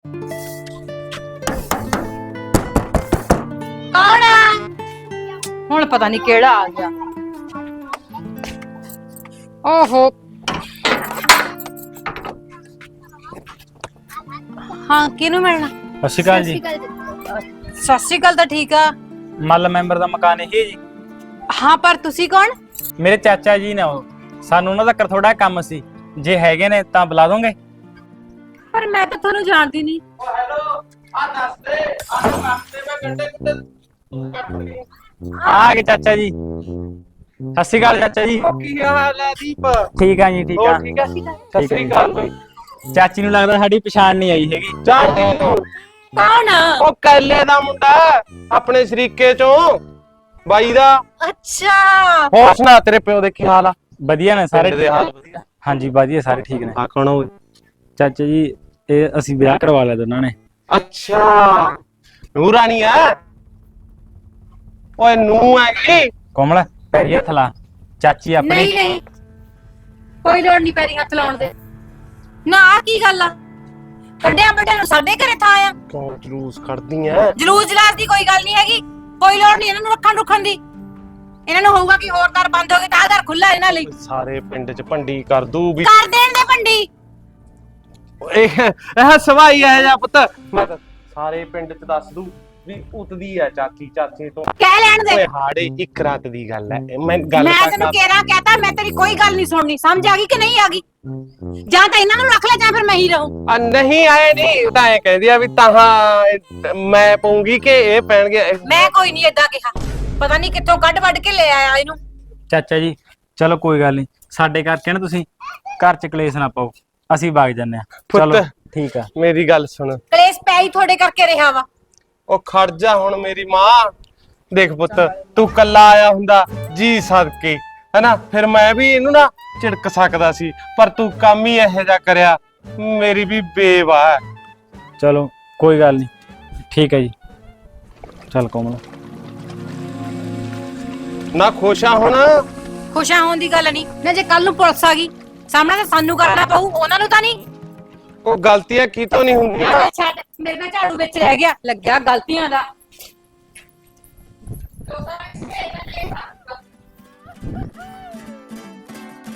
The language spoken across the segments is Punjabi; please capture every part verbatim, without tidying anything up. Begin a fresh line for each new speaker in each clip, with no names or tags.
ਕੌਣ ਆ? ਹੁਣ ਪਤਾ ਨਹੀਂ ਕਿਹੜਾ ਆ ਗਿਆ। ਓਹੋ ਹਾਂ, ਕਿਹਨੂੰ ਮਿਲਣਾ?
ਸਤਿ ਸ਼੍ਰੀ ਅਕਾਲ ਜੀ।
ਸਤਿ ਸ਼੍ਰੀ ਅਕਾਲ ਤਾਂ ਠੀਕ ਆ।
ਮੱਲ ਮੈਂਬਰ ਦਾ ਮਕਾਨ ਇਹੀ ਹੈ ਜੀ?
ਹਾਂ, ਪਰ ਤੁਸੀਂ ਕੌਣ?
ਮੇਰੇ ਚਾਚਾ ਜੀ ਨੇ, ਉਹ ਸਾਨੂੰ ਉਹਨਾਂ ਦਾ ਥੋੜਾ ਕੰਮ ਸੀ, ਜੇ ਹੈਗੇ ਨੇ ਤਾਂ ਬੁਲਾ ਦੋਗੇ?
ਪਰ ਮੈਂ ਤਾਂ ਤੁਹਾਨੂੰ ਜਾਣਦੀ ਨਹੀਂ।
ਓ ਹੈਲੋ, ਆ ਦੱਸ ਦੇ ਆ ਰਸਤੇ ਮੈਂ ਗੰਡੇ ਕੁੱਤੇ
ਆ ਗਏ ਚਾਚਾ ਜੀ। ਸਤਿ ਸ਼੍ਰੀ ਅਕਾਲ ਚਾਚਾ ਜੀ।
ਕੀ ਹਾਲ ਹੈ ਦੀਪ?
ਠੀਕ ਆ ਜੀ, ਠੀਕ ਆ।
ਹੋਰ ਠੀਕ ਹੈ? ਸਤਿ ਸ੍ਰੀ ਅਕਾਲ ਬਈ।
ਚਾਚੀ ਨੂੰ ਲੱਗਦਾ ਸਾਡੀ ਪਛਾਣ ਨਹੀਂ ਆਈ ਹੈਗੀ।
ਜਾਣਦੀ ਨੂੰ
ਕੌਣ?
ਉਹ ਕੈਲੇ ਦਾ ਮੁੰਡਾ, ਆਪਣੇ ਸ਼ਰੀਕੇ ਚੋਂ ਬਾਈ ਦਾ।
ਅੱਛਾ,
ਹੋਰ ਸੁਣਾ, ਤੇਰੇ ਪਿਓ ਦੇ ਕੀ ਹਾਲ ਆ?
ਵਧੀਆ ਨੇ ਸਾਰੇ।
ਪਿੰਡ ਦੇ ਹਾਲ ਵਧੀਆ?
ਹਾਂਜੀ ਵਧੀਆ, ਸਾਰੇ ਠੀਕ ਨੇ।
ਆ ਕੌਣ ਹੋਏ?
ਚਾਚਾ ਜੀ ਇਹ ਅਸੀਂ ਵਿਆਹ ਕਰਵਾ ਲਿਆ ਦੋਨਾਂ ਨੇ।
ਅੱਛਾ, ਨੂਰਾਨੀ ਆ? ਓਏ ਨੂੰ ਹੈਗੀ?
ਕੋਮਲ ਪੈਰੀ ਹੱਥ ਲਾ। ਚਾਚੀ ਆਪਣੀ।
ਨਹੀਂ ਨਹੀਂ, ਕੋਈ ਲੋੜ ਨਹੀਂ ਪੈਰੀ ਹੱਥ ਲਾਉਣ ਦੇ। ਨਾ ਆ ਕੀ ਗੱਲ ਆ? ਵੱਡਿਆਂ ਵੱਡਿਆਂ ਨੂੰ ਸਾਡੇ ਘਰੇ ਥਾਂ ਆ।
ਕਿਉਂ ਜਲੂਸ ਕੱਢਦੀ ਐ?
ਜਲੂਸ ਜਲਾਸ ਦੀ ਕੋਈ ਗੱਲ ਨਹੀਂ ਹੈਗੀ। ਕੋਈ ਲੋੜ ਨਹੀਂ ਇਹਨਾਂ ਨੂੰ ਰੱਖਣ ਰੁੱਖਣ ਦੀ। ਇਹਨਾਂ ਨੂੰ ਹੋਊਗਾ ਕਿ ਹੋਰ ਦਰ ਬੰਦ ਹੋ ਗਏ ਤਾਂ ਆਹ ਦਰ ਖੁੱਲਾ ਇਹਨਾਂ ਲਈ।
ਸਾਰੇ ਪਿੰਡ ਚ ਭੰਡੀ ਕਰ ਦੂ ਵੀ।
ਕਰ ਦੇਣ ਦੇ ਭੰਡੀ।
ਇਹ ਇਹ ਸਵਾਈ ਹੈ ਜਾਂ ਪੁੱਤ, ਮੈਂ ਤਾਂ ਸਾਰੇ ਪਿੰਡ ਚ ਦੱਸ ਦੂ ਵੀ ਉਤਦੀ ਆ ਚਾਚੀ ਚਾਚੇ ਤੋਂ।
ਕਹਿ ਲੈਣ ਦੇ।
ਓਏ ਹਾੜੇ ਇੱਕ ਰਾਤ ਦੀ ਗੱਲ ਹੈ, ਮੈਂ ਗੱਲ
ਮੈਂ
ਤਾਂ
ਤੈਨੂੰ
ਕਰ-
ਕਹਿਣਾ ਕਹਤਾ, ਮੈਂ ਤੇਰੀ ਕੋਈ ਗੱਲ ਨਹੀਂ ਸੁਣਨੀ। ਸਮਝ ਆ ਗਈ ਕਿ ਨਹੀਂ ਆ ਗਈ? ਜਾਂ ਤਾਂ ਇਹਨਾਂ ਨੂੰ ਰੱਖ ਲੈ ਜਾਂ ਫਿਰ ਮੈਂ ਹੀ ਰਹੂੰ।
ਆ ਨਹੀਂ ਆਏ ਨਹੀਂ ਤਾਂ ਐ ਕਹਿੰਦੀ ਆ ਵੀ ਤਾਹਾਂ ਮੈਂ ਪਾਉਂਗੀ ਕਿ ਇਹ ਪੈਣਗੇ।
ਮੈਂ ਕੋਈ ਨਹੀਂ ਏਦਾਂ ਕਿਹਾ। ਪਤਾ ਨਹੀਂ ਕਿੱਥੋਂ ਕੱਢ ਵੱਢ ਕੇ ਲੈ ਆਇਆ ਇਹਨੂੰ।
ਚਾਚਾ ਜੀ ਚਲੋ ਕੋਈ ਗੱਲ ਨਹੀਂ, ਸਾਡੇ ਕਰਕੇ ਨਾ ਤੁਸੀਂ ਘਰ ਚ ਕਲੇਸ਼ ਨਾ ਪਾਓ, ਅਸੀਂ ਵਗ ਜੰਨੇ ਆ।
ਪੁੱਤ,
ਚਲੋ ਠੀਕ ਆ।
ਮੇਰੀ ਗੱਲ ਸੁਣ।
ਕਲੇਸ਼ ਪੈ ਹੀ ਤੁਹਾਡੇ ਕਰਕੇ ਰਿਹਾ ਵਾ।
ਉਹ ਖੜ ਜਾ ਹੁਣ ਮੇਰੀ ਮਾਂ। ਦੇਖ ਪੁੱਤ, ਤੂੰ ਕੱਲਾ ਆਇਆ ਹੁੰਦਾ ਜੀ ਸਦਕੇ, ਹੈਨਾ, ਫਿਰ ਮੈਂ ਵੀ ਇਹਨੂੰ ਨਾ ਝਿੜਕ ਸਕਦਾ ਸੀ, ਪਰ ਤੂੰ ਕੰਮ ਹੀ ਇਹੋ ਜਿਹਾ ਕਰਿਆ, ਮੇਰੀ ਵੀ ਬੇਵਾ ਹੈ।
ਚਲੋ ਕੋਈ ਗੱਲ ਨਹੀਂ, ਠੀਕ ਹੈ ਜੀ। ਚੱਲ ਕੋਮਲ।
ਨਾ ਖੁਸ਼ਾ ਹੁਣ?
ਖੁਸ਼ਾਂ ਹੋਣ ਦੀ ਗੱਲ ਨਹੀਂ ਨਾ। ਜੇ ਕੱਲ ਨੂੰ ਪੁਲਿਸ ਆ ਗਈ ਸਾਹਮਣੇ ਤਾਂ ਸਾਨੂੰ ਕਰਨਾ ਪਊ, ਉਹਨਾਂ ਨੂੰ ਤਾਂ ਨਹੀਂ।
ਉਹ ਗਲਤੀਆਂ ਕਿਤੋਂ ਨਹੀਂ ਹੁੰਦੀਆਂ।
ਛੱਡ, ਮੇਰੇ ਨਾਲ ਝਾੜੂ ਵਿੱਚ ਰਹਿ ਗਿਆ, ਲੱਗਿਆ ਗਲਤੀਆਂ ਦਾ।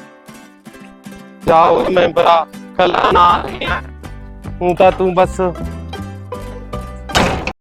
ਜਾਓ ਮੈਂਬਰਾ, ਕੱਲਾ ਨਾ ਹੂੰ ਤਾਂ ਤੂੰ ਬਸ